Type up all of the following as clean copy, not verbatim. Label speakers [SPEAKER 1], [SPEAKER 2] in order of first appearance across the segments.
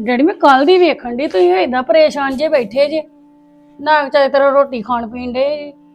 [SPEAKER 1] Daddy ਮੈਂ ਕੱਲ ਦੀ ਵੇਖਣ ਦੀ ਤੁਸੀਂ ਏਦਾਂ ਪਰੇਸ਼ਾਨ ਜੇ ਬੈਠੇ ਜੇ ਨਾ ਚਾਹੇ ਤੇਰਾ ਰੋਟੀ ਖਾਣ ਪੀਣ ਦੇ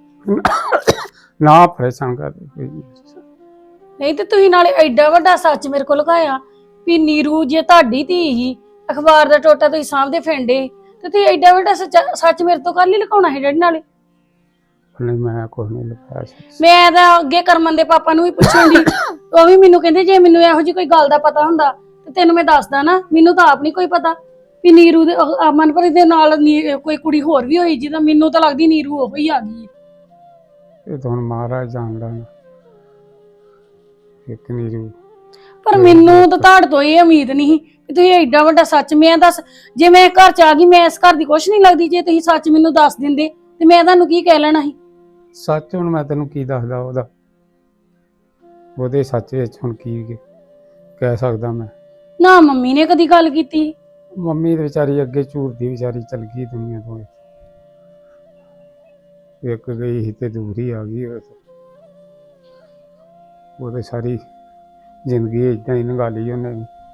[SPEAKER 2] ਨਾ ਪਰੇਸ਼ਾਨ ਕਰਦੇ ਕੋਈ
[SPEAKER 1] ਨਹੀਂ ਤੇ ਤੁਸੀਂ ਨਾਲੇ ਐਡਾ ਵੱਡਾ ਸੱਚ ਮੇਰੇ ਕੋਲ ਲੁਕਾਇਆ ਵੀ ਨੀਰੂ ਜੇ ਤੁਹਾਡੀ ਧੀ ਹੀ ਅਖਬਾਰ ਦਾ ਟੋਟਾ ਤੁਸੀਂ ਸਾਹਮਣੇ ਫੈਂਡੇ ਤੇ ਤੁਸੀਂ ਐਡਾ ਵੱਡਾ ਸੱਚ ਮੇਰੇ ਤੋਂ ਕੱਲ ਹੀ ਲੁਕਾਉਣਾ ਹੈ ਡੈਡੀ ਨਾਲੇ
[SPEAKER 2] ਨਹੀਂ ਮੈਂ ਕੋਈ ਨਹੀਂ ਲੁਕਾਇਆ
[SPEAKER 1] ਮੈਂ ਤਾਂ ਅੱਗੇ ਕਰਮਨ ਦੇ ਪਾਪਾ ਨੂੰ ਵੀ ਪੁੱਛਣ ਦੀ ਉਹ ਵੀ ਮੈਨੂੰ ਕਹਿੰਦੇ ਜੇ ਮੈਨੂੰ ਇਹੋ ਜਿਹੀ ਕੋਈ ਗੱਲ ਦਾ ਪਤਾ ਹੁੰਦਾ ਤੇ ਤੈਨੂੰ ਮੈਂ ਦੱਸਦਾ ਨਾ ਮੈਨੂੰ ਤਾਂ ਆਪ ਨਹੀਂ ਕੋਈ ਪਤਾ ਵੀ ਨੀਰੂ ਦੇ ਮਨਪ੍ਰੀਤ ਦੇ ਨਾਲ ਕੋਈ ਕੁੜੀ ਹੋਰ ਵੀ ਹੋਈ ਜਿਹਦਾ ਮੈਨੂੰ ਤਾਂ ਲੱਗਦੀ ਨੀਰੂ ਉਹੀ ਆ ਗਈ
[SPEAKER 2] ਇਹ ਤਾਂ ਹੁਣ ਮਹਾਰਾਜ ਜਾਣਦਾ ਨਾ ਇੱਕ ਨੀਰੂ
[SPEAKER 1] ਪਰ ਮੈਨੂੰ ਤਾਂ ਤੁਹਾਡੇ ਤੋਂ ਇਹ ਉਮੀਦ ਨਹੀਂ ਕਿ ਤੁਸੀਂ ਐਡਾ ਵੱਡਾ ਸੱਚ ਮੈਂ ਦੱਸ ਜੇ ਮੈਂ ਘਰ ਚ ਆ ਗਈ ਮੈਂ ਇਸ ਘਰ ਦੀ ਕੁਛ ਨਹੀਂ ਲੱਗਦੀ ਜੇ ਤੁਸੀਂ ਸੱਚ ਮੈਨੂੰ ਦੱਸ ਦਿੰਦੇ ਤੇ ਮੈਂ ਤੁਹਾਨੂੰ ਕੀ ਕਹਿ ਲੈਣਾ ਸੀ
[SPEAKER 2] ਸੱਚ ਹੁਣ ਮੈਂ ਤੈਨੂੰ ਕੀ ਦੱਸਦਾ ਉਹਦੇ ਸੱਚ ਵਿੱਚ ਹੁਣ ਕੀ ਕਹਿ ਸਕਦਾ ਮੈਂ
[SPEAKER 1] ਨਾ ਮੰਮੀ ਨੇ ਕਦੀ ਗੱਲ ਕੀਤੀ
[SPEAKER 2] ਮੰਮੀ ਤੇ ਵਿਚਾਰੀ ਅੱਗੇ ਝੂਰਦੀ ਵਿਚਾਰੀ ਚਲ ਗਈ ਦੁਨੀਆ ਤੋਂ ਇੱਕ ਗਈ ਸੀ ਤੇ ਦੂਰ ਹੀ ਆ ਗਈ ਉਹਦੇ ਸਾਰੀ ਜ਼ਿੰਦਗੀ ਏਦਾਂ ਹੀ ਲੰਘਾ ਲਈ ਉਹਨੇ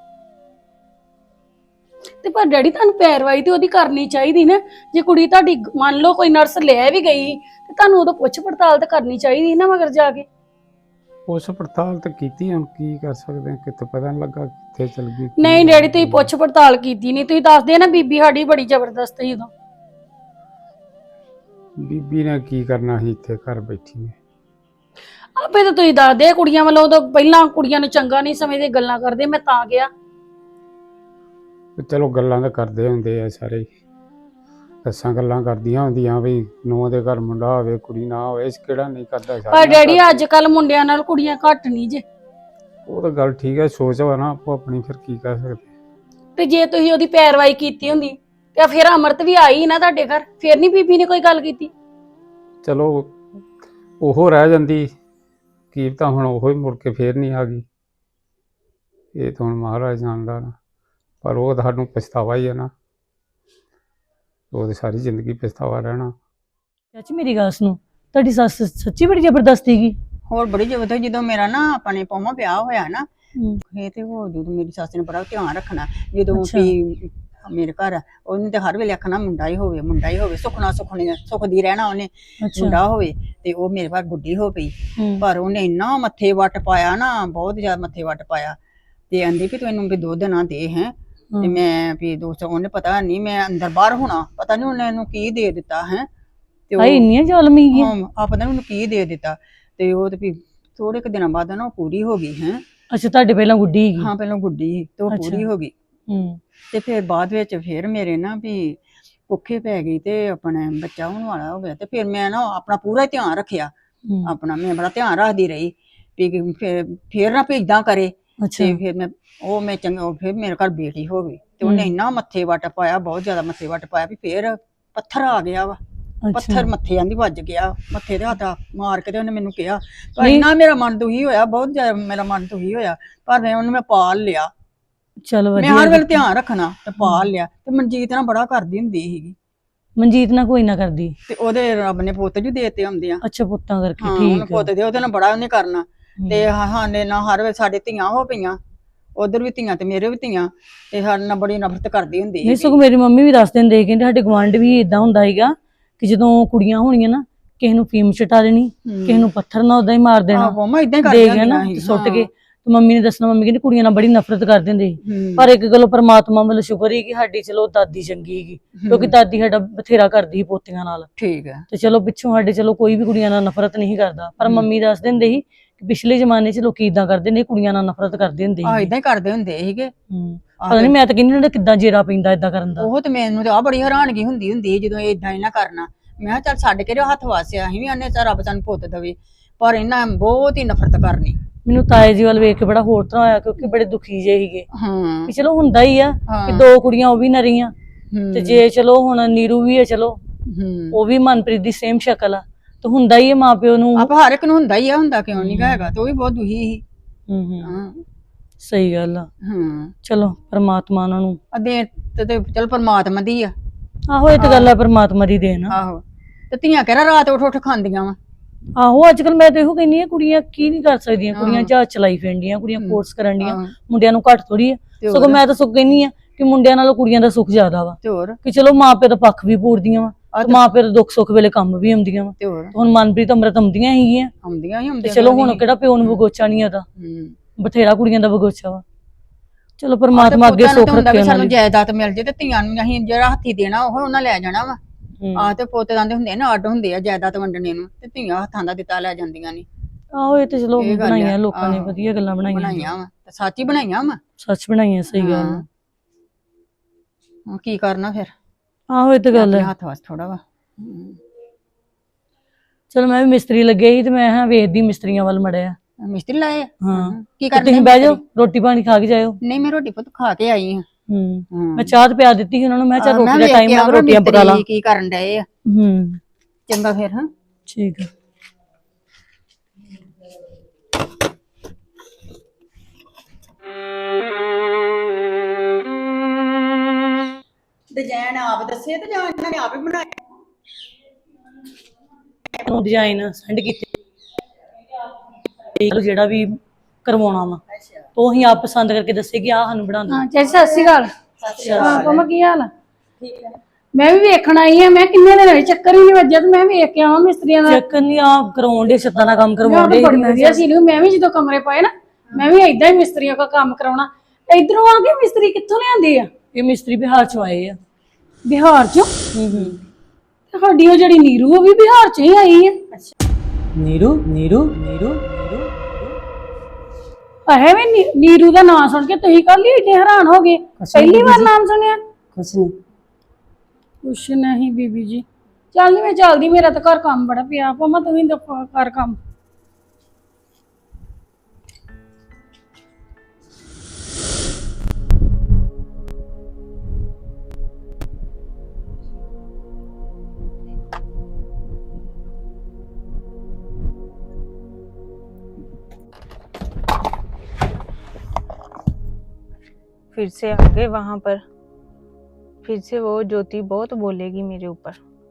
[SPEAKER 1] ਤੇ ਪਰ ਡੈਡੀ ਤੁਹਾਨੂੰ ਪੈਰਵਾਈ ਤੇ ਉਹਦੀ ਕਰਨੀ ਚਾਹੀਦੀ ਨਾ ਜੇ ਕੁੜੀ ਤੁਹਾਡੀ ਮੰਨ ਲਓ ਕੋਈ ਨਰਸ ਲੈ ਵੀ ਗਈ ਤੇ ਤੁਹਾਨੂੰ ਉਦੋਂ ਪੁੱਛ ਪੜਤਾਲ ਤਾਂ ਕਰਨੀ ਚਾਹੀਦੀ ਨਾ ਮਗਰ ਜਾ ਕੇ
[SPEAKER 2] ਉਸ ਪੜਤਾਲ ਤਾਂ ਕੀਤੀ ਹੁਣ ਕੀ ਕਰ ਸਕਦੇ ਹਾਂ ਕਿਤੇ ਪਤਾ ਨਹੀਂ ਲੱਗਾ ਕਿੱਥੇ ਚਲ ਗਈ
[SPEAKER 1] ਨਹੀਂ ਡੈਡੀ ਤੁਸੀਂ ਪੁੱਛ ਪੜਤਾਲ ਕੀਤੀ ਨਹੀਂ ਤੁਸੀਂ ਦੱਸਦੇ ਨਾ ਬੀਬੀ ਸਾਡੀ ਬੜੀ ਜ਼ਬਰਦਸਤ ਸੀ ਉਦੋਂ
[SPEAKER 2] ਬੀਬੀ ਨੇ ਕੀ ਕਰਨਾ ਸੀ ਇੱਥੇ ਘਰ ਬੈਠੀ ਨੇ
[SPEAKER 1] ਆਪੇ ਤਾਂ ਤੁਸੀਂ ਦੱਸਦੇ ਕੁੜੀਆਂ ਵੱਲੋਂ ਉਦੋਂ ਪਹਿਲਾਂ ਕੁੜੀਆਂ ਨੂੰ ਚੰਗਾ ਨਹੀਂ ਸਮਝਦੇ ਗੱਲਾਂ ਕਰਦੇ ਮੈਂ ਤਾਂ ਗਿਆ
[SPEAKER 2] ਚਲੋ ਗੱਲਾਂ ਤਾਂ ਕਰਦੇ ਹੁੰਦੇ ਆ ਸਾਰੇ ਦੱਸਾਂ ਗੱਲਾਂ ਕਰਦੀਆਂ ਹੁੰਦੀਆਂ ਵੀ ਨੂੰਹ ਦੇ ਘਰ ਮੁੰਡਾ ਹੋਵੇ ਕੁੜੀ ਨਾ ਹੋਵੇ ਇਸ ਕਿਹੜਾ ਨਹੀਂ ਕਰਦਾ
[SPEAKER 1] ਪਰ ਡੈਡੀ ਅੱਜ ਕੱਲ ਮੁੰਡਿਆਂ ਨਾਲ ਕੁੜੀਆਂ ਘੱਟ ਨਹੀਂ ਜੇ
[SPEAKER 2] ਉਹ ਤਾਂ ਗੱਲ ਠੀਕ ਹੈ ਸੋਚ ਵਾ ਨਾ ਆਪੋ ਆਪਣੀ ਫਿਰ ਕੀ ਕਰ ਸਕਦੇ
[SPEAKER 1] ਤੇ ਜੇ ਤੁਸੀਂ ਉਹਦੀ ਪੈਰਵਾਈ ਕੀਤੀ ਹੁੰਦੀ ਤੇ ਫਿਰ ਅਮਰਤ ਵੀ ਆਈ ਨਾ ਤੁਹਾਡੇ ਘਰ ਫਿਰ ਨਹੀਂ ਬੀਬੀ ਨੇ ਕੋਈ ਗੱਲ ਕੀਤੀ
[SPEAKER 2] ਚਲੋ ਉਹ ਰਹਿ ਜਾਂਦੀ ਕੀ ਤਾਂ ਹੁਣ ਉਹ ਹੀ ਮੁੜ ਕੇ ਫੇਰ ਨਹੀਂ ਆ ਗਈ ਇਹ ਤਾਂ ਹੁਣ ਮਹਾਰਾਜ ਜਾਣਦਾ ਨਾ ਪਰ ਉਹ ਤੁਹਾਨੂੰ ਪਛਤਾਵਾ ਹੀ ਹੈ ਨਾ ਉਹਦੀ ਸਾਰੀ ਜ਼ਿੰਦਗੀ ਪਛਤਾਵਾ ਰਹਿਣਾ
[SPEAKER 3] ਚਾਚੀ ਮੇਰੀ ਗੱਲ ਸੁਣੋ ਤੁਹਾਡੀ ਸੱਸ ਸੱਚੀ ਬੜੀ ਜ਼ਬਰਦਸਤ ਸੀਗੀ
[SPEAKER 4] ਹੋਰ ਬੜੀ ਜ਼ਬਰਦਸਤ ਜਦੋਂ ਮੇਰਾ ਨਾ ਆਪਣੇ ਪੌਮਾ ਵਿਆਹ ਹੋਇਆ ਨਾ ਇਹ ਤੇ ਉਹ ਜਦੋਂ ਮੇਰੀ ਸੱਸ ਨੇ ਬੜਾ ਧਿਆਨ ਰੱਖਣਾ ਜਦੋਂ ਵੀ ਮੇਰੇ ਘਰ ਉਹਨੇ ਤੇ ਹਰ ਵੇਲੇ ਆਖਣਾ ਮੁੰਡਾ ਹੀ ਹੋਵੇ ਸੁਖਣਾ ਸੁਖਦੀ ਰਹਿਣਾ ਉਹਨੇ ਮੁੰਡਾ ਹੋਵੇ ਤੇ ਉਹ ਮੇਰੇ ਘਰ ਗੁੱਡੀ ਹੋ ਪਈ ਪਰ ਉਹਨੇ ਇੰਨਾ ਮੱਥੇ ਵੱਟ ਪਾਇਆ ਨਾ ਬਹੁਤ ਜ਼ਿਆਦਾ ਮੱਥੇ ਵੱਟ ਪਾਇਆ ਤੇ ਆਂਦੀ ਵੀ ਤੂੰ ਇਹਨੂੰ ਵੀ ਦੁੱਧ ਨਾ ਦੇ ਹੈ ਤੇ ਮੈਂ ਵੀ ਦੋਸਤ ਉਹਨੇ ਪਤਾ ਨਹੀਂ ਮੈਂ ਅੰਦਰ ਬਾਹਰ ਹੋਣਾ ਪਤਾ ਨਹੀਂ ਉਹਨੇ ਇਹਨੂੰ ਕੀ ਦੇ ਦਿੱਤਾ ਹੈ ਤੇ ਉਹ
[SPEAKER 3] ਇੰਨੀਆਂ ਜ਼ਾਲਮੀ ਗਈ
[SPEAKER 4] ਆ ਪਤਾ ਨਹੀਂ ਉਹਨੂੰ ਕੀ ਦੇ ਦਿੱਤਾ ਤੇ ਉਹ ਤੇ ਵੀ ਥੋੜੇ ਕੁ ਦਿਨਾਂ ਬਾਅਦ ਨਾ ਉਹ ਪੂਰੀ ਹੋ ਗਈ ਹੈ
[SPEAKER 3] ਅੱਛਾ ਤੁਹਾਡੇ ਪਹਿਲਾਂ ਗੁੱਡੀ ਸੀਗੀ
[SPEAKER 4] ਹਾਂ ਪਹਿਲਾਂ ਗੁੱਡੀ ਸੀ ਤੇ ਉਹ ਪੂਰੀ ਹੋ ਗਈ ਤੇ ਫਿਰ ਬਾਅਦ ਵਿੱਚ ਫਿਰ ਮੇਰੇ ਨਾ ਵੀ ਭੁੱਖੇ ਪੈ ਗਈ ਤੇ ਆਪਣਾ ਬੱਚਾ ਹੋਣ ਵਾਲਾ ਹੋ ਗਿਆ ਤੇ ਫਿਰ ਮੈਂ ਨਾ ਆਪਣਾ ਪੂਰਾ ਧਿਆਨ ਰੱਖਿਆ ਆਪਣਾ ਮੈਂ ਬੜਾ ਧਿਆਨ ਰੱਖਦੀ ਰਹੀ ਵੀ ਫਿਰ ਨਾ ਭੇਜਦਾ ਕਰੇ ਤੇ ਫਿਰ ਮੈਂ ਚੰਗਾ ਫਿਰ ਮੇਰੇ ਘਰ ਬੇਟੀ ਹੋ ਗਈ ਤੇ ਉਹਨੇ ਇੰਨਾ ਮੱਥੇ ਵੱਟ ਪਾਇਆ ਬਹੁਤ ਜ਼ਿਆਦਾ ਮੱਥੇ ਵੱਟ ਪਾਇਆ ਵੀ ਫਿਰ ਪੱਥਰ ਆ ਗਿਆ ਵਾ ਪੱਥਰ ਮੱਥੇ ਆਂਦੀ ਵੱਜ ਗਿਆ ਮੱਥੇ ਤੇ ਹੱਥ ਮਾਰ ਕੇ ਤੇ ਉਹਨੇ ਮੈਨੂੰ ਕਿਹਾ ਪਰ ਇੰਨਾ ਮੇਰਾ ਮਨ ਦੁਖੀ ਹੋਇਆ ਬਹੁਤ ਜ਼ਿਆਦਾ ਮੇਰਾ ਮਨ ਦੁਖੀ ਹੋਇਆ ਪਰ ਮੈਂ ਪਾਲ ਲਿਆ
[SPEAKER 3] ਚਲੋ
[SPEAKER 4] ਮੈਂ ਹਰ ਵੇਲੇ ਧਿਆਨ ਰੱਖਣਾ ਤੇ ਪਾਲ ਲਿਆ ਤੇ ਮਨਜੀਤ ਨਾਲ ਬੜਾ ਕਰਦੀ ਹੁੰਦੀ ਸੀਗੀ
[SPEAKER 3] ਮਨਜੀਤ ਨਾਲ ਕੋਈ ਨਾ ਕਰਦੀ
[SPEAKER 4] ਤੇ ਉਹਦੇ ਰੱਬ ਨੇ ਪੁੱਤ ਜੀ ਦੇਤੇ ਹੁੰਦੇ ਆ
[SPEAKER 3] ਅੱਛਾ ਪੁੱਤਾਂ ਕਰਕੇ
[SPEAKER 4] ਠੀਕ ਹੈ ਪੁੱਤ ਦੇ ਉਹਦੇ ਨਾਲ ਬੜਾ ਉਹਨੇ ਕਰਨਾ ਤੇ ਹਾਨੇ ਨਾਲ ਹਰ ਵੇਲੇ ਸਾਡੇ ਧੀਆਂ ਹੋ ਪਈਆਂ ਉਧਰ ਵੀ ਧੀਆਂ ਤੇ ਮੇਰੇ ਵੀ ਧੀਆਂ ਤੇ ਸਾਡੇ ਨਾਲ ਬੜੀ ਨਫ਼ਰਤ ਕਰਦੀ ਹੁੰਦੀ ਸੀ
[SPEAKER 3] ਨਹੀਂ ਸਗੋਂ ਮੇਰੀ ਮੰਮੀ ਵੀ ਦੱਸ ਦਿੰਦੇ ਕਹਿੰਦੇ ਸਾਡੇ ਗੁਆਂਢ ਵੀ ਇਦਾਂ ਹੁੰਦਾ ਸੀਗਾ ਕਿ ਜਦੋਂ ਕੁੜੀਆਂ ਹੋਣੀਆਂ ਨਾ ਕਿਸੇ ਨੂੰ ਫੀਮ ਛਟਾ ਦੇਣੀ ਕਿਸੇ ਨੂੰ ਪੱਥਰ ਨਾਲ ਉਦਾਂ ਹੀ ਮਾਰ ਦੇਣਾ
[SPEAKER 4] ਮੰਮਾ ਇਦਾਂ ਹੀ ਕਰਦੀ
[SPEAKER 3] ਹੁੰਦੀ ਸੀ ਸੁੱਟ ਕੇ ਤੇ ਮੰਮੀ ਨੇ ਦੱਸਣਾ ਮੰਮੀ ਕਹਿੰਦੀ ਕੁੜੀਆਂ ਨਾਲ ਬੜੀ ਨਫ਼ਰਤ ਕਰਦੇ ਹੁੰਦੇ ਸੀ ਪਰ ਇੱਕ ਗੱਲੋਂ ਪਰਮਾਤਮਾ ਵੱਲੋਂ ਸ਼ੁਕਰ ਹੀ ਕਿ ਸਾਡੀ ਚਲੋ ਦਾਦੀ ਚੰਗੀ ਸੀਗੀ ਕਿਉਂਕਿ ਦਾਦੀ ਸਾਡਾ ਬਥੇਰਾ ਕਰਦੀ ਸੀ ਪੋਤੀਆਂ ਨਾਲ
[SPEAKER 4] ਠੀਕ ਹੈ
[SPEAKER 3] ਤੇ ਚਲੋ ਪਿੱਛੋਂ ਸਾਡੇ ਚਲੋ ਕੋਈ ਵੀ ਕੁੜੀਆਂ ਨਾਲ ਨਫ਼ਰਤ ਨਹੀਂ ਕਰਦਾ ਪਰ ਮੰਮੀ ਦੱਸ ਦਿੰਦੇ ਸੀ ਕਿ ਪਿਛਲੇ ਜ਼ਮਾਨੇ 'ਚ ਲੋਕੀ ਇਦਾਂ ਕਰਦੇ ਨੇ ਕੁੜੀਆਂ ਨਾਲ ਨਫ਼ਰਤ ਕਰਦੇ ਹੁੰਦੇ ਸੀ
[SPEAKER 4] ਇਦਾਂ ਹੀ ਕਰਦੇ ਹੁੰਦੇ ਸੀਗੇ
[SPEAKER 3] ਪਤਾ ਨਹੀਂ ਮੈਂ ਤਾਂ ਕਹਿੰਦੀ ਉਹਨਾਂ ਕਿੱਦਾਂ ਜੇਰਾ ਪੈਂਦਾ ਇਦਾਂ ਕਰਨ ਦਾ
[SPEAKER 4] ਉਹ ਤੇ ਮੈਨੂੰ ਤਾਂ ਬੜੀ ਹੈਰਾਨਗੀ ਹੁੰਦੀ ਜਦੋਂ ਇਦਾਂ ਹੀ ਨਾ ਕਰਨਾ ਮੈਂ ਕਿਹਾ ਚੱਲ ਛੱਡ ਕੇ ਹੱਥ ਵਾਸਿਆ ਅਸੀਂ ਵੀ ਆਨੇ ਚੱਲ ਰੱਬ ਸਾਨੂੰ ਪੁੱਤ ਦੇਵੇ ਪਰ ਇਹਨਾਂ ਬਹੁਤ ਹੀ ਨਫ਼ਰਤ ਕਰਨੀ
[SPEAKER 3] ਮੈਨੂੰ ਤਾਏ ਜੀ ਵੱਲ ਵੇਖ ਕੇ ਬੜਾ ਹੋਰ ਤਰ੍ਹਾਂ ਹੋਇਆ ਕਿਉਂਕਿ ਬੜੇ ਦੁਖੀ ਜੇ ਸੀਗੇ
[SPEAKER 4] ਹਾਂ
[SPEAKER 3] ਵੀ ਚਲੋ ਹੁੰਦਾ ਹੀ ਆ ਕਿ ਦੋ ਕੁੜੀਆਂ ਉਹ ਵੀ ਨਰੀਆਂ ਤੇ ਜੇ ਚਲੋ ਹੁਣ ਨੀਰੂ ਵੀ ਹੈ ਚਲੋ ਉਹ ਵੀ ਮਨਪ੍ਰੀਤ ਦੀ ਸੇਮ ਸ਼ਕਲ ਆ ਤੇ ਹੁੰਦਾ ਹੀ ਹੈ ਮਾਪਿਓ ਨੂੰ
[SPEAKER 4] ਆਪ ਹਰ ਇੱਕ ਨੂੰ ਹੁੰਦਾ ਹੀ ਆ ਹੁੰਦਾ ਕਿਉਂ ਨਹੀਂ ਹੈਗਾ ਤੇ ਉਹ ਵੀ ਬਹੁਤ ਦੁਖੀ ਸੀ
[SPEAKER 3] ਸਹੀ ਗੱਲ ਆ ਚਲੋ ਪਰਮਾਤਮਾ ਉਹਨਾਂ ਨੂੰ
[SPEAKER 4] ਅਦੇ ਤੇ ਚਲ ਪਰਮਾਤਮਾ ਦੀ ਆ
[SPEAKER 3] ਆਹੋ ਇਹ ਤਾਂ ਗੱਲ ਆ ਪਰਮਾਤਮਾ ਦੀ ਦੇਣ
[SPEAKER 4] ਆਹੋ ਤੇ ਧੀਆਂ ਕਿਹੜਾ ਰਾਤ ਉੱਠ ਖਾਂਦੀਆਂ ਵਾ
[SPEAKER 3] ਆਹੋ ਅੱਜ ਕੱਲ ਮੈਂ ਤਾਂ ਇਹੋ ਕਹਿੰਦੀ ਆ ਕੁੜੀਆਂ ਕੀ ਨਹੀਂ ਕਰ ਸਕਦੀਆਂ ਕੁੜੀਆਂ ਜਹਾਜ਼ ਚਲਾਈ ਫਿਰਦੀਆਂ ਕੁੜੀਆਂ ਕੋਰਸ ਕਰਨ ਡੀਆਂ ਮੁੰਡਿਆਂ ਨੂੰ ਘੱਟ ਥੋੜੀ ਆ ਸਗੋਂ ਮੈਂ ਤਾਂ ਕਹਿੰਦੀ ਆ ਕਿ ਮੁੰਡਿਆਂ ਨਾਲੋਂ ਕੁੜੀਆਂ ਦਾ ਸੁੱਖ ਜ਼ਿਆਦਾ ਵਾ,
[SPEAKER 4] ਤੇ ਹੋਰ
[SPEAKER 3] ਕਿ ਚਲੋ ਮਾਂ ਪਿਓ ਦਾ ਪੱਖ ਵੀ ਪੂਰਦੀਆਂ ਵਾ ਤੇ ਮਾਂ ਪਿਓ ਦੇ ਦੁੱਖ ਸੁੱਖ ਵੇਲੇ ਕੰਮ ਵੀ ਆਉਂਦੀਆਂ ਵਾ।
[SPEAKER 4] ਤੇ ਹੋਰ
[SPEAKER 3] ਹੁਣ ਮਨਪ੍ਰੀਤ ਅੰਮ੍ਰਿਤ ਆਉਂਦੀਆਂ ਹੈਗੀਆਂ
[SPEAKER 4] ਆਉਂਦੀਆਂ ਹੀ
[SPEAKER 3] ਤੇ
[SPEAKER 4] ਆਉਂਦੀਆਂ
[SPEAKER 3] ਚਲੋ ਹੁਣ ਕਿਹੜਾ ਪਿਓ ਨੂੰ ਬਗੋਚਾ ਨਹੀਂ ਆਦਾ, ਬਥੇਰਾ ਕੁੜੀਆਂ ਦਾ ਬਗੋਚਾ ਵਾ। ਚਲੋ ਪਰਮਾਤਮਾ ਅੱਗੇ ਸੁੱਖ ਰੱਖੇ ਉਹਨਾਂ
[SPEAKER 4] ਸਾਨੂੰ
[SPEAKER 3] ਦੀ।
[SPEAKER 4] ਜਾਇਦਾਦ ਮਿਲ ਜੇ ਤੇ ਧੀਆਂ ਨੂੰ ਅਸੀਂ ਜਿਹੜਾ ਹੱਥੀ ਦੇਣਾ ਉਹ ਉਹਨਾਂ ਲੈ ਜਾਣਾ ਵਾ। ਤੇ ਪੋਤੇ ਦੰਦੇ ਹੁੰਦੇ ਨਾ ਅੱਡ ਹੁੰਦੇ ਆ ਜਾਇਦਾਦ ਵੰਡਣੇ ਨੂੰ, ਤੇ ਧੀਆਂ ਹੱਥਾਂ ਦਾ ਦਿੱਤਾ ਲੈ ਜਾਂਦੀਆਂ ਨੇ।
[SPEAKER 3] ਆਹੋ ਇਹ ਤੇ ਚਲੋ
[SPEAKER 4] ਇਹ ਗੱਲ
[SPEAKER 3] ਬਣਾਈਆਂ
[SPEAKER 4] ਆ,
[SPEAKER 3] ਲੋਕਾਂ ਨੇ,
[SPEAKER 4] ਆਹੋ।
[SPEAKER 3] ਵਧੀਆ ਗੱਲਾਂ
[SPEAKER 4] ਬਣਾਈਆਂ ਵਾ ਤੇ ਸੱਚ ਹੀ ਬਣਾਈਆਂ ਵਾ।
[SPEAKER 3] ਸੱਚ ਬਣਾਈਆਂ, ਸਹੀ ਗੱਲ ਆ।
[SPEAKER 4] ਹੁਣ ਕੀ ਕਰਨਾ ਫਿਰ,
[SPEAKER 3] ਆਹੋ ਇਹ ਤੇ ਗੱਲ
[SPEAKER 4] ਆਪਣੇ
[SPEAKER 3] ਹੈ।
[SPEAKER 4] ਹੱਥ ਵਸ ਥੋੜਾ ਵਾ।
[SPEAKER 3] ਚਲੋ ਮੈਂ ਵੀ ਮਿਸਤਰੀ ਲੱਗੇ ਸੀ ਤੇ ਮੈਂ ਹਾਂ ਵੇਖਦੀ ਮਿਸਤਰੀਆਂ ਵੱਲ ਮੜਿਆ।
[SPEAKER 4] ਮਿਸਤਰੀ ਲਾਏ ਆ?
[SPEAKER 3] ਹਾਂ
[SPEAKER 4] ਕੀ
[SPEAKER 3] ਤੇ
[SPEAKER 4] ਕਰਨਾ
[SPEAKER 3] ਤੁਸੀਂ ਬਹਿ ਜਾਓ, ਰੋਟੀ ਪਾਣੀ ਖਾ ਕੇ ਜਾਇਓ।
[SPEAKER 4] ਨਹੀਂ ਮੈਂ ਰੋਟੀ ਪੁੱਤ ਖਾ ਕੇ ਆਈ ਹਾਂ।
[SPEAKER 3] ਮੈਂ ਚਾਹ ਤੇ ਪਿਆ ਦਿੱਤੀ ਸੀ ਉਹਨਾਂ ਨੂੰ, ਮੈਂ ਚੱਲ ਰੋਟੀ ਦਾ ਟਾਈਮ ਆ, ਰੋਟੀਆਂ ਪਕਾ ਲਾ।
[SPEAKER 4] ਕੀ ਕਰਨ ਡਏ ਆ? ਚੰਗਾ ਫਿਰ। ਹਾਂ
[SPEAKER 3] ਠੀਕ ਆ।
[SPEAKER 4] ਡਿਜ਼ਾਈਨ ਆਪ ਦੱਸੇ ਤੇ ਜਾਂ ਇਹਨਾਂ ਨੇ ਆਪ ਹੀ ਬਣਾਏ?
[SPEAKER 3] ਡਿਜ਼ਾਈਨ ਸੈਂਡ ਕੀਤੇ ਜਿਹੜਾ ਵੀ ਕਰਵਾਉਣਾ ਵਾ, ਉਹ ਅਸੀਂ ਆਪ ਪਸੰਦ ਕਰਕੇ ਦੱਸੇ ਕਿ ਆਹ ਸਾਨੂੰ ਬਣਾ ਦਿਓ।
[SPEAKER 1] ਹਾਂ ਚਾਚੀ ਸਤਿ ਸ਼੍ਰੀ ਅਕਾਲ। ਹਾਂ ਪਮਾ ਕੀ ਹਾਲ ਆ? ਠੀਕ ਹੈ। ਮੈਂ ਵੀ ਵੇਖਣ ਆਈ ਆ, ਮੈਂ ਕਿੰਨੇ ਦਿਨ ਹੋਏ ਚੱਕਰ ਹੀ ਨਹੀਂ ਵੱਜਿਆ ਤੇ ਮੈਂ ਵੇਖ ਕੇ ਆਵਾਂ ਮਿਸਤਰੀਆਂ ਦਾ।
[SPEAKER 3] ਚੱਕਰ ਨਹੀਂ ਆ ਕਰਾਉਣ ਦੇ, ਛੱਤਾਂ ਦਾ ਕੰਮ ਕਰਵਾਉਣ ਦੇ।
[SPEAKER 1] ਬੜੀ ਵਧੀਆ ਸੀ। ਮੈਂ ਵੀ ਜਦੋਂ ਕਮਰੇ ਪਾਏ ਨਾ, ਮੈਂ ਵੀ ਏਦਾਂ ਹੀ ਮਿਸਤਰੀਆਂ ਦਾ ਕੰਮ ਕਰਾਉਣਾ। ਇਧਰੋਂ ਆ ਕੇ ਮਿਸਤਰੀ ਕਿੱਥੋਂ ਲਿਆਂਦੇ ਆ?
[SPEAKER 3] ਇਹ ਮਿਸਤਰੀ ਬਿਹਾਰ ਚੋਂ ਆਏ ਆ।
[SPEAKER 1] ਬਿਹਾਰ ਚੋਂ? ਸਾਡੀ ਉਹ ਜਿਹੜੀ ਨੀਰੂ ਉਹ ਵੀ ਬਿਹਾਰ ਚੋਂ ਹੀ ਆਈ ਆ।
[SPEAKER 3] ਨੀਰੂ ਨੀਰੂ ਨੀਰੂ
[SPEAKER 1] ਅਹੇ ਵੀ ਨੀਰੂ ਦਾ ਨਾਮ ਸੁਣ ਕੇ ਤੁਸੀਂ ਕੱਲ ਹੀ ਏਡੇ ਹੈਰਾਨ ਹੋ ਗਏ? ਪਹਿਲੀ ਵਾਰ ਨਾਮ ਸੁਣਿਆ? ਕੁਛ ਨਹੀਂ ਬੀਬੀ ਜੀ। ਚੱਲ ਨੀ ਮੈਂ ਚੱਲਦੀ, ਮੇਰਾ ਤਾਂ ਘਰ ਕੰਮ ਬੜਾ ਪਿਆ। ਪਮਾ ਤੂੰ ਵੀ ਕਰ ਕੰਮ।
[SPEAKER 5] फिर से आ गए वहां पर, फिर से वो ज्योति बहुत बोलेगी मेरे ऊपर।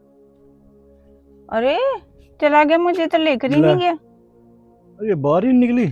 [SPEAKER 5] अरे चला गया, मुझे तो लेकर ही नहीं गया।
[SPEAKER 6] अरे बाहर ही निकली।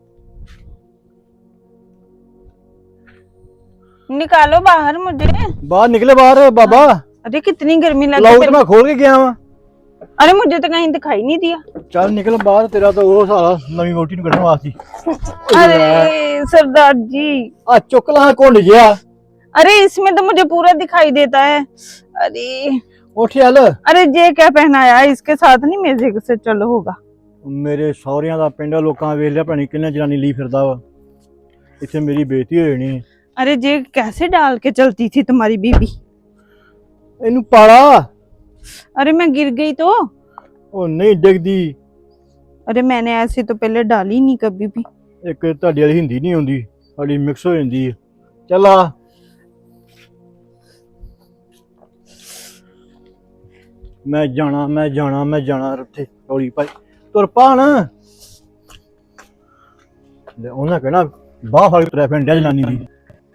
[SPEAKER 5] निकालो बाहर मुझे।
[SPEAKER 6] बाहर निकले बाहर बाबा।
[SPEAKER 5] अरे कितनी गर्मी लग
[SPEAKER 6] लाउड
[SPEAKER 5] रही
[SPEAKER 6] मैं खोल के गया वहां।
[SPEAKER 5] अरे मुझे तो कहीं दिखाई नहीं दिया।
[SPEAKER 6] चल निकल बाहर, तेरा तो वो सारा नवी वोटी नु कढण वास्ते।
[SPEAKER 5] अरे सरदार जी,
[SPEAKER 6] आ चुक ला घुंड गया।
[SPEAKER 5] अरे इसमें तो मुझे पूरा दिखाई देता है। अरे
[SPEAKER 6] उठ चल।
[SPEAKER 5] अरे ये क्या पहनाया है, इसके साथ नहीं मेरे से चल होगा।
[SPEAKER 6] मेरे सौहरियां दा पिंड लोकां वेख लिया, पता किन्ने जनानी ली फिरदा वा। इत्थे मेरी बेइज्जती हो जानी।
[SPEAKER 5] अरे ये कैसे डाल के चलती थी तुम्हारी बीबी?
[SPEAKER 6] इनू पाड़ा।
[SPEAKER 5] अरे मैं गिर गई तो?
[SPEAKER 6] ओ नहीं डिगदी।
[SPEAKER 5] अरे मैंने ऐसे तो पहले डाली नहीं कभी भी।
[SPEAKER 6] एक तुहाडी वाली हिंदी नहीं आउंदी, साडी मिक्स हो जांदी है। चल आ। मैं जाना उत्थे रौली पाई तुर पा ना। उन्हें कहना बाह फड़ तुरै फिरन जनानी दी।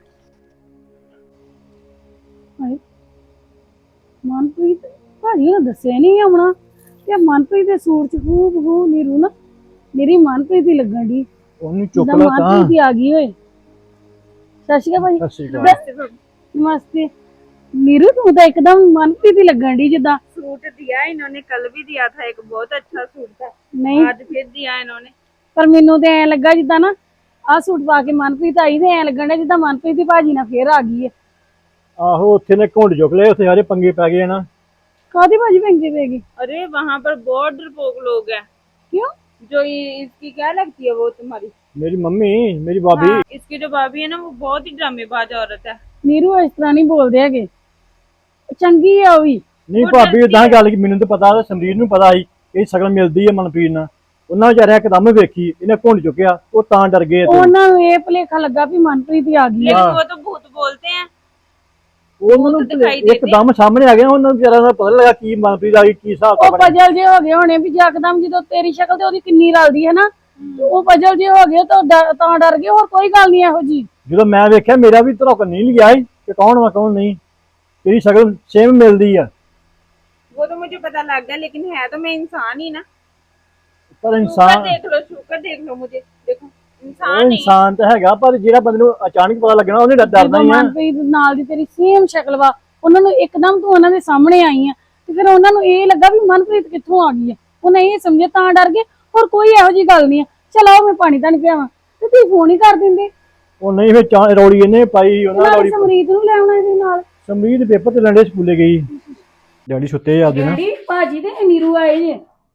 [SPEAKER 1] ਮਨਪ੍ਰੀਤ ਭਾਜੀ ਨੇ ਦੱਸਿਆ ਨਹੀਂ ਆਉਣਾ ਤੇ ਮਨਪ੍ਰੀਤ ਦੇ ਸੂਟ ਚ ਹੂ ਨੀਰੂ ਨਾ ਮੇਰੀ ਮਨਪ੍ਰੀਤ ਦੀ ਲੱਗਣ ਦੀ।
[SPEAKER 6] ਉਹਨੂੰ ਚੁੱਕ ਲਾ ਤਾਂ।
[SPEAKER 1] ਮਨਪ੍ਰੀਤ ਦੀ ਆ ਗਈ ਓਏ। ਸਤਿ ਸ਼੍ਰੀ ਅਕਾਲ ਭਾਜੀ।
[SPEAKER 6] ਸਤਿ ਸ਼੍ਰੀ ਅਕਾਲ।
[SPEAKER 1] नमस्ते। नीरू तू तो एकदम मनप्रीत ही लगन दी जिदा।
[SPEAKER 5] सूट दिया इन्होंने, कल भी दिया था, एक बहुत अच्छा सूट था।
[SPEAKER 1] नहीं
[SPEAKER 5] आज फिर दिया इन्होंने।
[SPEAKER 1] पर मैनू तो ऐ लगा जिदा ना आ सूट पा के मनप्रीत आई ते ऐ लगन डा जिदा मनप्रीत दी भाजी ना फिर आ गई है।
[SPEAKER 6] आहो उत्थे ने घुंड चुक ले, उत्थे सारे पंगे पै गए ना।
[SPEAKER 1] कादी भाजी पंगे पेगी?
[SPEAKER 5] अरे वहाँ पर बहुत डरपोक लोग हैं।
[SPEAKER 1] क्यों?
[SPEAKER 5] जो इसकी क्या लगती है वो तुम्हारी?
[SPEAKER 6] मेरी मम्मी, मेरी भाभी।
[SPEAKER 5] हाँ, इसकी जो भाभी है ना वो बहुत ही ड्रामेबाज औरत है।
[SPEAKER 1] नीरू इस तरह नहीं बोलदे हैगे, चंगी है ओ भी।
[SPEAKER 6] नहीं भाभी उदां गल की मैनूं तो पता, समरीर नूं पता सी कि शकल मिलदी है मनप्रीत नाल। उन्हां बेचारे एकदम वेखी, इन्हें घुंड चुकिया, वो तां डर गए।
[SPEAKER 1] उन्हां नूं ये भुलेखा लगा भी मनप्रीत ही आ गई है।
[SPEAKER 5] लेकिन वो तो भूत बोलते हैं।
[SPEAKER 6] उन्होंने एकदम सामने आ गया, उन्होंने बेचारा दा पता लगा की मनप्रीत आ गई, की हिसाब
[SPEAKER 1] ਉਹ ਪਜਲ ਜੇ ਹੋ ਗਏ ਹੋਣੇ ਵੀ ਯਕਦਮ ਜਦੋਂ ਤੇਰੀ ਸ਼ਕਲ ਤੇ ਉਹਦੀ ਕਿੰਨੀ ਰਲਦੀ ਹੈ ਨਾ, ਉਹ ਪਜਲ ਜੇ ਹੋ ਗਏ ਤਾਂ ਡਰ ਗਏ। ਹੋਰ ਕੋਈ ਗੱਲ ਨਹੀਂ ਇਹੋ ਜੀ।
[SPEAKER 6] ਜਦੋਂ ਮੈਂ ਵੇਖਿਆ ਮੇਰਾ ਵੀ ਧੜਕ नहीं लिया कि कौन वा कौन नहीं, तेरी शकल सेम मिलदी है।
[SPEAKER 5] वो तो मुझे पता लग गया, लेकिन है तो मैं इंसान ही ना।
[SPEAKER 6] पर
[SPEAKER 5] शुक्र
[SPEAKER 6] इंसान
[SPEAKER 5] देख लो, शुक्र देख लो मुझे, देखो
[SPEAKER 6] ਉਹ
[SPEAKER 5] इंसान ही
[SPEAKER 6] ਇਨਸਾਨ ਤਾਂ ਹੈਗਾ ਪਰ ਜਿਹੜਾ ਬੰਦੇ ਨੂੰ ਅਚਾਨਕ ਪਤਾ ਲੱਗਣਾ ਉਹਨੇ ਡਰਦਾ
[SPEAKER 1] ਜਦੋਂ
[SPEAKER 6] ਹੀ ਆ।
[SPEAKER 1] ਮਨਪ੍ਰੀਤ ਨਾਲ ਦੀ ਤੇਰੀ ਸੇਮ ਸ਼ਕਲ ਵਾ, ਉਹਨਾਂ ਨੂੰ ਇੱਕਦਮ ਤੂੰ ਉਹਨਾਂ ਦੇ ਸਾਹਮਣੇ ਆਈ ਆ ਤੇ ਫਿਰ ਉਹਨਾਂ ਨੂੰ ਇਹ ਲੱਗਾ ਵੀ ਮਨਪ੍ਰੀਤ ਕਿੱਥੋਂ ਆ ਗਈ ਆ, ਉਹਨੇ ਇਹ ਸਮਝਿਆ ਤਾਂ ਡਰ ਗਏ। ਹੋਰ ਕੋਈ ਇਹੋ ਜੀ ਗੱਲ ਨਹੀਂ ਆ। ਚਲ ਆਓ ਮੈਂ ਪਾਣੀ ਤਾਂ ਨਹੀਂ ਪਿਆਵਾਂ ਤੇ ਤੁਸੀਂ ਫੋਨ ਹੀ ਕਰ ਦਿੰਦੇ।
[SPEAKER 6] ਉਹ ਨਹੀਂ ਫਿਰ ਰੌਲੀ ਇਹਨੇ ਪਾਈ, ਉਹਨਾਂ
[SPEAKER 1] ਨਾਲ
[SPEAKER 6] ਰੌਲੀ
[SPEAKER 1] ਸਮਰੀਤ ਨੂੰ ਲੈ ਆਉਣਾ ਇਹਦੇ ਨਾਲ।
[SPEAKER 6] ਸਮਰੀਤ ਪੇਪਰ ਤੇ ਲੰਡੇ ਸਕੂਲੇ ਗਈ, ਡੈਡੀ ਸੁੱਤੇ ਆ ਉਹਦੇ ਨਾਲ।
[SPEAKER 1] ਡੈਡੀ ਭਾਜੀ ਤੇ ਨੀਰੂ ਆਏ ਜੇ।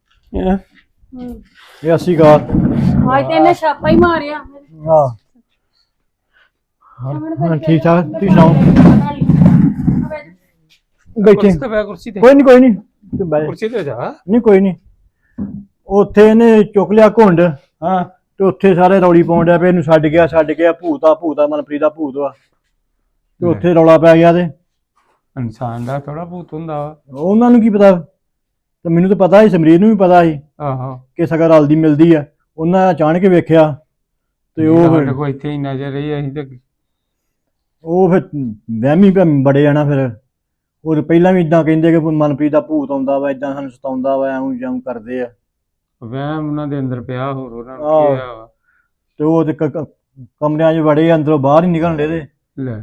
[SPEAKER 6] ਇਹ ਅਸੀਂ ਗਾ
[SPEAKER 1] ਅੱਜ ਤੇ ਇਹਨੇ ਛਾਪਾ ਹੀ ਮਾਰਿਆ।
[SPEAKER 6] ਹਾਂ ਹਾਂ ਠੀਕ ਠਾਕ, ਤੁਸੀਂ ਸੁਣਾਓ? ਬੈਠੇ
[SPEAKER 2] ਕੁਰਸੀ ਤੇ ਬੈ, ਕੁਰਸੀ ਤੇ,
[SPEAKER 6] ਕੋਈ ਨਹੀਂ ਤੂੰ ਬਹਿ ਜਾ।
[SPEAKER 2] ਕੁਰਸੀ ਤੇ ਜਾ।
[SPEAKER 6] ਨਹੀਂ ਕੋਈ ਨਹੀਂ। ਉੱਥੇ ਇਹਨੇ ਚੁੱਕ ਲਿਆ ਘੁੰਡ
[SPEAKER 2] ਹਾਂ
[SPEAKER 6] ਤੇ ਉੱਥੇ ਸਾਰੇ ਰੌਲੀ ਪਾਉਣ ਡਿਆ ਪਏ, ਇਹਨੂੰ ਛੱਡ ਗਿਆ ਭੂਤਾ ਮਨਪ੍ਰੀਤ ਦਾ ਭੂਤ ਵਾ। ਤੇ ਉੱਥੇ ਰੌਲਾ ਪੈ ਗਿਆ ਤੇ
[SPEAKER 2] ਇਨਸਾਨ ਦਾ ਥੋੜਾ ਭੂਤ ਹੁੰਦਾ ਵਾ।
[SPEAKER 6] ਉਹਨਾਂ ਨੂੰ ਕੀ ਪਤਾ, ਤੇ ਮੈਨੂੰ ਤਾਂ ਪਤਾ ਸੀ, ਸਮਰੀਤ ਨੂੰ ਵੀ ਪਤਾ ਸੀ
[SPEAKER 2] ਆਹੋ
[SPEAKER 6] ਕਿ ਸਗਾ ਰਲਦੀ ਮਿਲਦੀ ਆ। ਉਹਨਾਂ ਅਚਾਨਕ ਵੇਖਿਆ ਤੇ ਉਹ
[SPEAKER 2] ਸਾਡੇ ਕੋਲ ਇੱਥੇ ਹੀ ਨਜ਼ਰ ਰਹੀ, ਅਸੀਂ ਤੇ
[SPEAKER 6] ਫਿਰ ਵਹਿਮੀ ਬੜੇ ਆ ਨਾ। ਫਿਰ ਉਹ ਪਹਿਲਾਂ ਵੀ ਇਦਾਂ ਕਹਿੰਦੇ ਕਿ ਮਨਪ੍ਰੀਤ ਦਾ ਭੂਤ ਆਉਂਦਾ ਵਾ, ਇਦਾਂ ਸਾਨੂੰ ਸਤਾਉਂਦਾ ਵਾ, ਐਵੇਂ ਜਿਉਂ ਕਰਦੇ ਆ।
[SPEAKER 2] ਵਹਿਮ ਉਹਨਾਂ ਦੇ ਅੰਦਰ ਪਿਆ, ਹੋਰ ਉਹਨਾਂ ਨੂੰ
[SPEAKER 6] ਆਹ।
[SPEAKER 2] ਕੀ ਆ।
[SPEAKER 6] ਤੇ ਉਹ ਤੇ ਕਮਰਿਆਂ 'ਚ ਵੜੇ, ਅੰਦਰੋਂ ਬਾਹਰ ਹੀ ਨਿਕਲਣ ਦੇ ਤੇ।
[SPEAKER 2] ਲੈ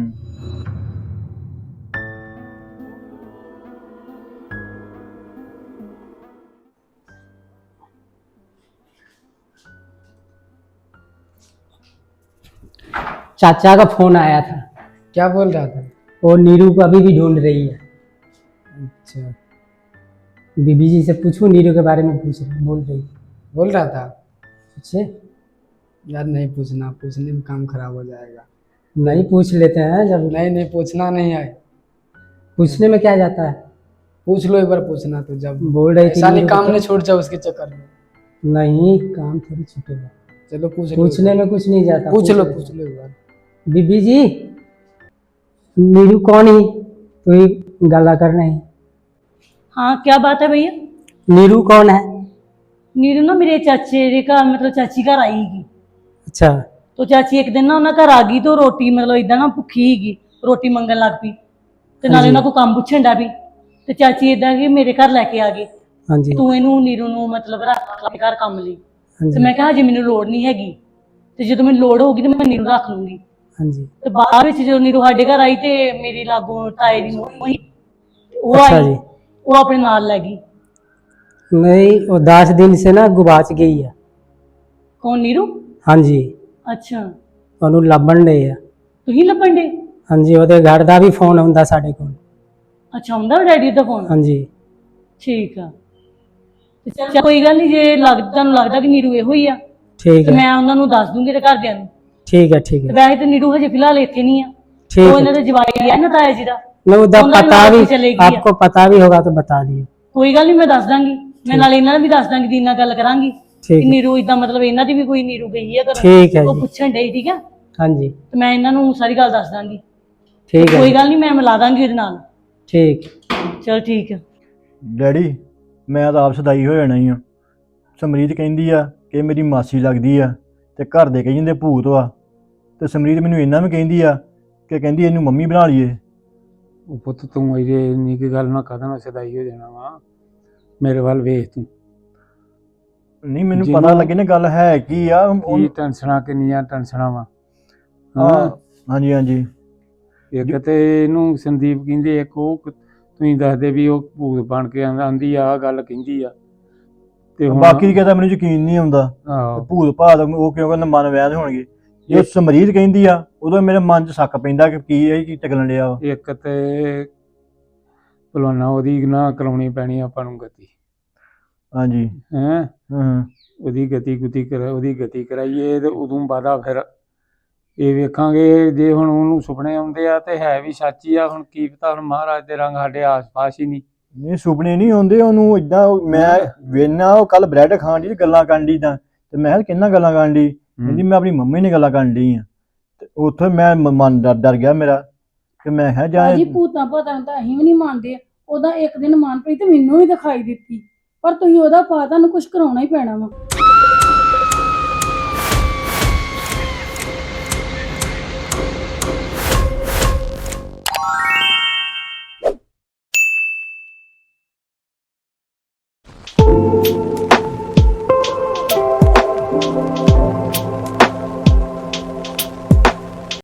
[SPEAKER 7] चाचा का फोन आया था।
[SPEAKER 8] क्या बोल रहा था?
[SPEAKER 7] वो नीरू को अभी भी ढूंढ रही है।
[SPEAKER 8] अच्छा,
[SPEAKER 7] बीबी जी से पूछूं, नीरू के बारे में बोल रही।
[SPEAKER 8] बोल रहा था
[SPEAKER 7] पूछे?
[SPEAKER 8] यार नहीं पूछना, पूछने में काम खराब हो जाएगा।
[SPEAKER 7] नहीं पूछ लेते हैं जब
[SPEAKER 8] नहीं पूछना नहीं है।
[SPEAKER 7] पूछने में क्या जाता है।
[SPEAKER 8] पूछ लो एक बार, पूछना तो जब
[SPEAKER 7] बोल रही थी
[SPEAKER 8] ऐसा नहीं
[SPEAKER 7] नीरू
[SPEAKER 8] काम
[SPEAKER 7] को-
[SPEAKER 8] नहीं छूट जाए उसके चक्कर में।
[SPEAKER 7] नहीं, काम थोड़ी छूटेगा।
[SPEAKER 8] चलो पूछ लो,
[SPEAKER 7] पूछने में कुछ नहीं जाता।
[SPEAKER 8] पूछ लो
[SPEAKER 7] ले।
[SPEAKER 8] एक बार।
[SPEAKER 7] बीबी जी, नीरू कौन ही तो ही गाला कर रहे हैं।
[SPEAKER 3] हाँ क्या बात है भैया?
[SPEAKER 7] नीरू कौन है?
[SPEAKER 3] नीरू ना मेरे चाचे का मतलब चाची घर आईगी।
[SPEAKER 7] अच्छा
[SPEAKER 3] तो चाची एक दिन ना उन्हें घर आ गई तो रोटी मतलब इदा ना भुखी हीगी, रोटी मंगन लग पई ते नाले उन्हें को काम पुछन डा पई ते चाची इदा कि मेरे घर लेके आ गई,
[SPEAKER 7] हाँ जी
[SPEAKER 3] तू इनू नीरू नू मतलब रख अपने घर काम ਲਈ।
[SPEAKER 7] हाँ
[SPEAKER 3] ਤੇ
[SPEAKER 7] जी
[SPEAKER 3] ਮੈਂ ਕਿਹਾ ਹਜੇ ਮੈਨੂੰ ਲੋੜ ਨਹੀਂ ਹੈਗੀ, ਤੇ ਜਦੋਂ ਮੈਨੂੰ ਲੋੜ ਹੋਊਗੀ ਤੇ ਮੈਂ ਨੀਰੂ ਰੱਖ ਲੂੰਗੀ।
[SPEAKER 7] हाँ जी।
[SPEAKER 3] ਤੇ ਬਾਅਦ ਵਿੱਚ ਜਦੋਂ ਨੀਰੂ ਸਾਡੇ ਘਰ ਆਈ ਤੇ ਮੇਰੀ ਲਾਗੋਂ ਤਾਏ ਦੀ ਨੂੰਹ ਹੋਈ, ਉਹ
[SPEAKER 7] अच्छा
[SPEAKER 3] ਆਈ,
[SPEAKER 7] जी।
[SPEAKER 3] ਉਹ ਆਪਣੇ ਨਾਲ ਲੈ ਗਈ।
[SPEAKER 7] नहीं, वो 10 दिन से ना गुबाच गई है।
[SPEAKER 3] ਕੌਣ ਨੀਰੂ?
[SPEAKER 7] हाँ जी,
[SPEAKER 3] ਅੱਛਾ
[SPEAKER 7] ਉਹਨੂੰ ਲੱਭਣ ਦੇ ਆ।
[SPEAKER 3] ਤੁਸੀਂ ਲੱਭਣ ਦੇ?
[SPEAKER 7] ਹਾਂਜੀ, ਉਹਦੇ ਘਰ ਦਾ ਵੀ ਫੋਨ ਆਉਂਦਾ ਸਾਡੇ ਕੋਲ।
[SPEAKER 3] ਅੱਛਾ ਹੁੰਦਾ ਡੈਡੀ ਦਾ ਫੋਨ?
[SPEAKER 7] ਹਾਂਜੀ
[SPEAKER 3] ਠੀਕ ਆ, ਤੇ ਚੱਲ ਕੋਈ ਗੱਲ ਨਹੀਂ, ਜੇ ਤੁਹਾਨੂੰ ਲੱਗਦਾ ਕਿ ਨੀਰੂ ਇਹੋ ਹੀ ਆ
[SPEAKER 7] ਠੀਕ
[SPEAKER 3] ਤੇ
[SPEAKER 7] ਹੈ,
[SPEAKER 3] ਮੈਂ ਉਹਨਾਂ ਨੂੰ ਦੱਸ ਦੂੰਗੀ ਤੇ ਘਰਦਿਆਂ ਨੂੰ।
[SPEAKER 7] ਠੀਕ ਹੈ, ਠੀਕ
[SPEAKER 3] ਤੇ
[SPEAKER 7] ਹੈ,
[SPEAKER 3] ਵੈਸੇ ਤੇ ਨੀਰੂ ਹਜੇ ਫਿਲਹਾਲ ਇੱਥੇ ਨਹੀਂ ਆ,
[SPEAKER 7] ठीक
[SPEAKER 3] ਉਹ
[SPEAKER 7] है।
[SPEAKER 3] ਇਹਨਾਂ ਦੇ ਜਵਾਈ ਆ ਨਾ ਤਾਇਆ ਜੀ ਦਾ।
[SPEAKER 7] मैं उधर
[SPEAKER 3] ਉਹਨਾਂ ਦੀ
[SPEAKER 7] पता
[SPEAKER 3] ਨਾਲ
[SPEAKER 7] भी,
[SPEAKER 3] ਹੀ चलेगी है।
[SPEAKER 7] आपको पता भी होगा तो बता दिए।
[SPEAKER 3] ਕੋਈ ਗੱਲ ਨਹੀਂ, ਮੈਂ ਦੱਸ ਦਾਂਗੀ, ਮੈਂ ਨਾਲ ਇਹਨਾਂ ਨੂੰ ਵੀ ਦੱਸ ਦਾਂਗੀ, ਦੀਨ ਨਾਲ ਗੱਲ ਕਰਾਂਗੀ
[SPEAKER 7] ठीक
[SPEAKER 3] ਕਿ
[SPEAKER 7] है,
[SPEAKER 3] ਨੀਰੂ ਇਦਾਂ ਮਤਲਬ ਇਹਨਾਂ ਦੀ ਵੀ ਕੋਈ ਨੀਰੂ ਗਈ ਆ ਘਰ,
[SPEAKER 7] ठीक है
[SPEAKER 3] ਉਹ
[SPEAKER 7] जी।
[SPEAKER 3] ਪੁੱਛਣ ਡਈ, ਠੀਕ ਆ?
[SPEAKER 7] हाँ जी
[SPEAKER 3] ਤੇ ਮੈਂ ਇਹਨਾਂ ਨੂੰ ਸਾਰੀ ਗੱਲ ਦੱਸ ਦਾਂਗੀ।
[SPEAKER 7] ठीक है,
[SPEAKER 3] ਕੋਈ ਗੱਲ ਨਹੀਂ, ਮੈਂ ਮਿਲਾ ਦਾਂਗੀ ਉਹਦੇ ਨਾਲ।
[SPEAKER 7] ठीक।
[SPEAKER 3] ਚਲ ਠੀਕ ਆ।
[SPEAKER 6] ਡੈਡੀ ਮੈਂ ਤਾਂ ਆਪ ਸਦਾਈ ਹੋ ਜਾਣਾ ਹੀ ਆ। ਸਮਰੀਤ ਕਹਿੰਦੀ ਆ ਕਿ ਮੇਰੀ ਮਾਸੀ ਲੱਗਦੀ ਆ ਤੇ ਘਰ ਦੇ ਕਹੀ ਜਾਂਦੇ ਭੂਤ ਵਾ, ਤੇ ਸਮਰੀਤ ਮੈਨੂੰ ਇੰਨਾ ਵੀ ਕਹਿੰਦੀ ਆ ਕਿ ਕਹਿੰਦੀ ਇਹਨੂੰ ਮੰਮੀ ਬਣਾ ਲਈਏ।
[SPEAKER 2] ਉਹ ਪੁੱਤ ਤੂੰ ਇਹ ਇੰਨੀ ਕੀ ਗੱਲ ਨਾ ਕਦਨ ਸਦਾਈ ਹੋ ਜਾਣਾ ਵਾ। ਮੇਰੇ ਵੱਲ ਵੇਖ ਤੂੰ,
[SPEAKER 6] ਨਹੀਂ ਮੈਨੂੰ
[SPEAKER 2] ਜਿਹਨੂੰ-
[SPEAKER 6] ਪਤਾ ਲੱਗੇ ਨਾ ਗੱਲ ਹੈ ਕੀ ਆ।
[SPEAKER 2] ਕੀ ਟੈਨਸ਼ਨਾਂ ਕਿੰਨੀਆਂ ਟੈਨਸ਼ਨਾਂ ਵਾ।
[SPEAKER 6] ਹਾਂ ਹਾਂਜੀ ਹਾਂਜੀ
[SPEAKER 2] ਇੱਕ ਤੇ ਇਹਨੂੰ ਸੰਦੀਪ ਕਹਿੰਦੇ, ਇੱਕ ਉਹ ਤੁਸੀਂ ਦੱਸਦੇ ਵੀ ਉਹ ਭੂਤ ਬਣ ਕੇ ਆਂਦੀ ਆ, ਗੱਲ ਕਹਿੰਦੀ ਆ। ਤੇ ਹੁਣ
[SPEAKER 6] ਬਾਕੀ ਦੀ ਕਹਿੰਦਾ ਮੈਨੂੰ ਯਕੀਨ ਨਹੀਂ ਆਉਂਦਾ।
[SPEAKER 2] ਆਹੋ
[SPEAKER 6] ਭੂਤ ਭਾਤ ਉਹ ਕਿਉਂਕਿ ਨਾ ਮਨ ਵੈਦ ਹੋਣਗੇ। ਜੇ ਸਮਰੀਤ ਕਹਿੰਦੀ ਆ ਉਦੋਂ ਮੇਰੇ ਮਨ 'ਚ ਸ਼ੱਕ ਪੈਂਦਾ ਕਿ ਕੀ ਇਹ ਕੀ ਟਕਲਣ ਡਿਆ ਵਾ।
[SPEAKER 2] ਇੱਕ ਤੇ ਭਲਵਾਨਾ ਉਹਦੀ ਨਾ ਕਰਾਉਣੀ ਪੈਣੀ ਆਪਾਂ ਨੂੰ ਗਤੀ,
[SPEAKER 6] ਹਾਂਜੀ
[SPEAKER 2] ਹੈਂ
[SPEAKER 6] ਹਾਂ
[SPEAKER 2] ਉਹਦੀ ਗਤੀ ਕਰਾਈਏ ਤੇ ਉਦੋਂ ਬਾਅਦਾ ਫਿਰ ਇਹ ਵੇਖਾਂਗੇ। ਜੇ ਹੁਣ ਉਹਨੂੰ ਸੁਪਨੇ ਆਉਂਦੇ ਆ ਤੇ ਹੈ ਵੀ ਸੱਚ ਹੀ ਆ। ਹੁਣ ਕੀ ਪਤਾ, ਹੁਣ ਮਹਾਰਾਜ ਦੇ ਰੰਗ ਸਾਡੇ ਆਸ-ਪਾਸ ਹੀ ਨਹੀਂ।
[SPEAKER 6] ਨਹੀਂ ਸੁਪਨੇ ਨਹੀਂ ਆਉਂਦੇ ਉਹਨੂੰ ਏਦਾਂ। ਮੈਂ ਵੇਨਾ ਉਹ ਕੱਲ ਬ੍ਰੈਡ ਖਾਣ ਦੀ ਗੱਲਾਂ ਕਰਨ ਦੀ ਤਾਂ, ਤੇ ਮੈਂ ਕਿਹਾ ਕਿੰਨਾ ਗੱਲਾਂ ਕਰਨ ਦੀ, ਕਹਿੰਦੀ ਮੈਂ ਆਪਣੀ ਮੰਮੀ ਨੇ ਗੱਲਾਂ ਕਰਨ ਦੀ ਆ। ਤੇ ਉੱਥੇ ਮੈਂ ਮਨ ਡਰ ਗਿਆ ਮੇਰਾ ਕਿ ਮੈਂ ਕਿਹਾ ਜਾ
[SPEAKER 1] ਭਾਜੀ ਭੂਤਾਂ ਭਾਤਾਂ ਤਾਂ ਅਸੀਂ ਵੀ ਨਹੀਂ ਮੰਨਦੇ। ਉਹਦਾ ਇੱਕ ਦਿਨ ਮਨਪ੍ਰੀਤ ਮੈਨੂੰ ਵੀ ਦਿਖਾਈ ਦਿੱਤੀ, ਪਰ ਤੁਸੀਂ ਉਹਦਾ ਪਾ ਤੁਹਾਨੂੰ ਕੁਝ ਕਰਾਉਣਾ ਹੀ ਪੈਣਾ ਵਾ।